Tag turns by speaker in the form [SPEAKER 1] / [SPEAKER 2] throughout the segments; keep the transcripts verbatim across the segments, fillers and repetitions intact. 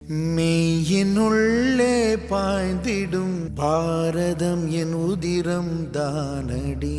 [SPEAKER 1] மெய்யினுள்ளே பாய்ந்திடும் பாரதம் என் உதிரம் தானடி.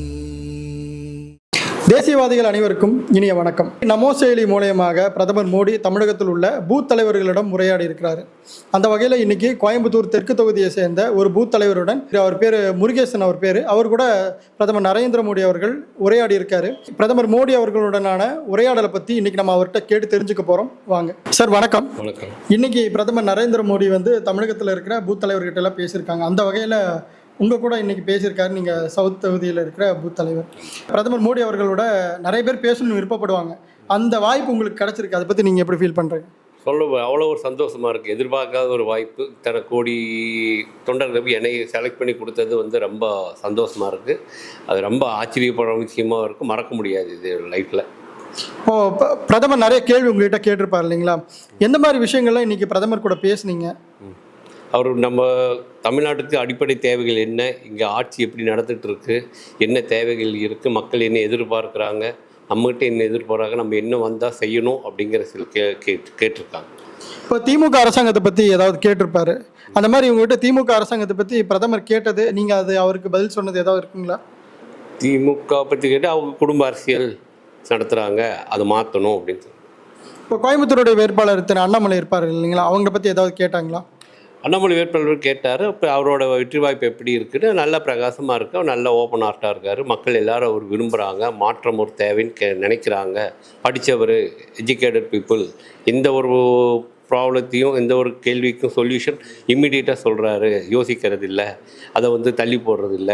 [SPEAKER 2] தேசியவாதிகள் அனைவருக்கும் இனிய வணக்கம். நமோ செயலி மூலயமாக பிரதமர் மோடி தமிழகத்தில் உள்ள பூத் தலைவர்களிடம் உரையாடி இருக்கிறாரு. அந்த வகையில் இன்னைக்கு கோயம்புத்தூர் தெற்கு தொகுதியை சேர்ந்த ஒரு பூத் தலைவருடன், அவர் பேர் முருகேசன், அவர் பேர் அவர் கூட பிரதமர் நரேந்திர மோடி அவர்கள் உரையாடி இருக்காரு. பிரதமர் மோடி அவர்களுடனான உரையாடலை பற்றி இன்னைக்கு நம்ம அவர்கிட்ட கேட்டு தெரிஞ்சுக்க போகிறோம். வாங்க சார். வணக்கம்.
[SPEAKER 3] வணக்கம்.
[SPEAKER 2] இன்னைக்கு பிரதமர் நரேந்திர மோடி வந்து தமிழகத்தில் இருக்கிற பூத் தலைவர்கிட்ட எல்லாம் பேசியிருக்காங்க. அந்த வகையில் உங்கள் கூட இன்றைக்கி பேசியிருக்காரு. நீங்கள் சவுத் தொகுதியில் இருக்கிற பூத் தலைவர். பிரதமர் மோடி அவர்களோட நிறைய பேர் பேசணும்னு விருப்பப்படுவாங்க. அந்த வாய்ப்பு உங்களுக்கு கிடச்சிருக்கு. அதை பற்றி நீங்கள் எப்படி ஃபீல் பண்ணுறீங்க?
[SPEAKER 3] சொல்ல அவ்வளோ ஒரு சந்தோஷமாக இருக்குது. எதிர்பார்க்காத ஒரு வாய்ப்பு. தன கோடி தொண்டர்களுக்கு என்னை செலக்ட் பண்ணி கொடுத்தது வந்து ரொம்ப சந்தோஷமாக இருக்குது. அது ரொம்ப ஆச்சரியப்படுற விஷயமாக இருக்குது. மறக்க முடியாது இது லைஃப்பில்.
[SPEAKER 2] இப்போது பிரதமர் நிறைய கேள்வி உங்கள்கிட்ட கேட்டிருப்பார் இல்லைங்களா? எந்த மாதிரி விஷயங்கள்லாம் இன்றைக்கி பிரதமர் கூட பேசுனீங்க?
[SPEAKER 3] அவர் நம்ம தமிழ்நாட்டுக்கு அடிப்படை தேவைகள் என்ன, இங்கே ஆட்சி எப்படி நடந்துகிட்டு இருக்கு, என்ன தேவைகள் இருக்குது, மக்கள் என்ன எதிர்பார்க்குறாங்க, நம்மகிட்ட என்ன எதிர்பார்க்குறாங்க, நம்ம என்ன வந்தால் செய்யணும் அப்படிங்கிற சில கே கேட்டு கேட்டிருக்காங்க.
[SPEAKER 2] இப்போ திமுக அரசாங்கத்தை பற்றி ஏதாவது கேட்டிருப்பாரு. அந்த மாதிரி இவங்ககிட்ட திமுக அரசாங்கத்தை பற்றி பிரதமர் கேட்டது, நீங்கள் அது அவருக்கு பதில் சொன்னது ஏதாவது இருக்குங்களா?
[SPEAKER 3] திமுக பற்றி கேட்டு அவங்க குடும்ப அரசியல் நடத்துகிறாங்க, அதை மாற்றணும் அப்படின்னு சொல்லி.
[SPEAKER 2] இப்போ கோயம்புத்தூருடைய வேட்பாளர் திரு அண்ணாமலை இருப்பார் இல்லைங்களா? அவங்கள பற்றி ஏதாவது கேட்டாங்களா?
[SPEAKER 3] அண்ணாமலை வேட்பாளர் கேட்டார். இப்போ அவரோட வெற்றி வாய்ப்பு எப்படி இருக்குன்னு, நல்ல பிரகாசமாக இருக்கு, அவர் நல்ல ஓப்பன் ஹார்ட்டாக இருக்கார். மக்கள் எல்லாரும் அவர் விரும்புகிறாங்க, மாற்றம் ஒரு தேவைன்னு கே நினைக்கிறாங்க. படித்தவர், எஜுகேட்டட் பீப்புள், எந்த ஒரு ப்ராப்ளத்தையும் எந்த ஒரு கேள்விக்கும் சொல்யூஷன் இம்மிடியேட்டாக சொல்கிறாரு, யோசிக்கிறது இல்லை, அதை வந்து தள்ளி போடுறது இல்லை.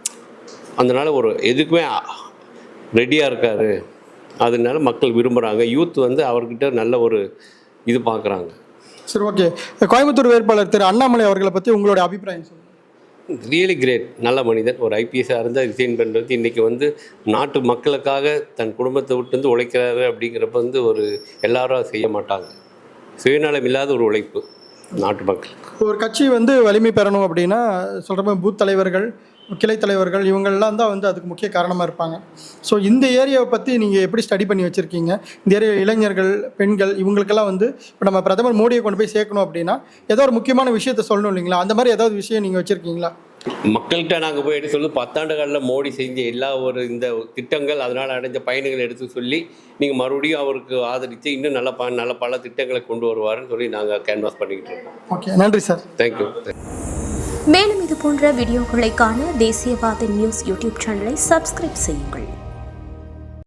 [SPEAKER 3] அதனால் ஒரு எதுக்குமே ரெடியாக இருக்கார். அதனால மக்கள் விரும்புகிறாங்க. யூத் வந்து அவர்கிட்ட நல்ல ஒரு இது பார்க்குறாங்க.
[SPEAKER 2] சரி, ஓகே. கோயம்புத்தூர் வேட்பாளர் திரு அண்ணாமலை அவர்களை பற்றி உங்களுடைய அபிப்பிராயம் சொல்லுங்கள்.
[SPEAKER 3] Really great. நல்ல மனிதன். ஒரு ஐபிஎஸ்ஸாக இருந்தால் ரிசைன் பண்ணுறது, இன்றைக்கி வந்து நாட்டு மக்களுக்காக தன் குடும்பத்தை விட்டு வந்து உழைக்கிறாரு அப்படிங்கிறப்ப வந்து ஒரு எல்லாரும் செய்ய மாட்டாங்க. சுயநலம் இல்லாத ஒரு உழைப்பு நாட்டு மக்களுக்கு.
[SPEAKER 2] ஒரு கட்சி வந்து வலிமை பெறணும் அப்படின்னா சொல்கிற பூத் தலைவர்கள், கிளை தலைவர்கள், இவங்கள்லாம் தான் வந்து அதுக்கு முக்கிய காரணமாக இருப்பாங்க. ஸோ இந்த ஏரியாவை பற்றி நீங்கள் எப்படி ஸ்டடி பண்ணி வச்சுருக்கீங்க? இந்த ஏரியா இளைஞர்கள், பெண்கள், இவங்களுக்கெல்லாம் வந்து இப்போ நம்ம பிரதமர் மோடியை கொண்டு போய் சேர்க்கணும் அப்படின்னா ஏதோ ஒரு முக்கியமான விஷயத்த சொல்லணும் இல்லைங்களா? அந்த மாதிரி ஏதாவது விஷயம் நீங்கள் வச்சுருக்கீங்களா?
[SPEAKER 3] மக்கள்கிட்ட நாங்கள் போய் எடுத்து சொல்லி பத்தாண்டுகளில் மோடி செஞ்ச எல்லா ஒரு இந்த திட்டங்கள், அதனால் அடைஞ்ச பயன்களை எடுத்து சொல்லி நீங்கள் மறுபடியும் அவருக்கு ஆதரித்து இன்னும் நல்ல ப நல்ல பல திட்டங்களை கொண்டு வருவாருன்னு சொல்லி நாங்கள் கேன்வாஸ் பண்ணிக்கிட்டு இருக்கோம்.
[SPEAKER 2] ஓகே, நன்றி சார்.
[SPEAKER 3] தேங்க்யூ.
[SPEAKER 4] மேலும் இது போன்ற வீடியோக்களை காண தேசியவாத நியூஸ் யூடியூப் சேனலை சப்ஸ்கிரைப் செய்யுங்கள்.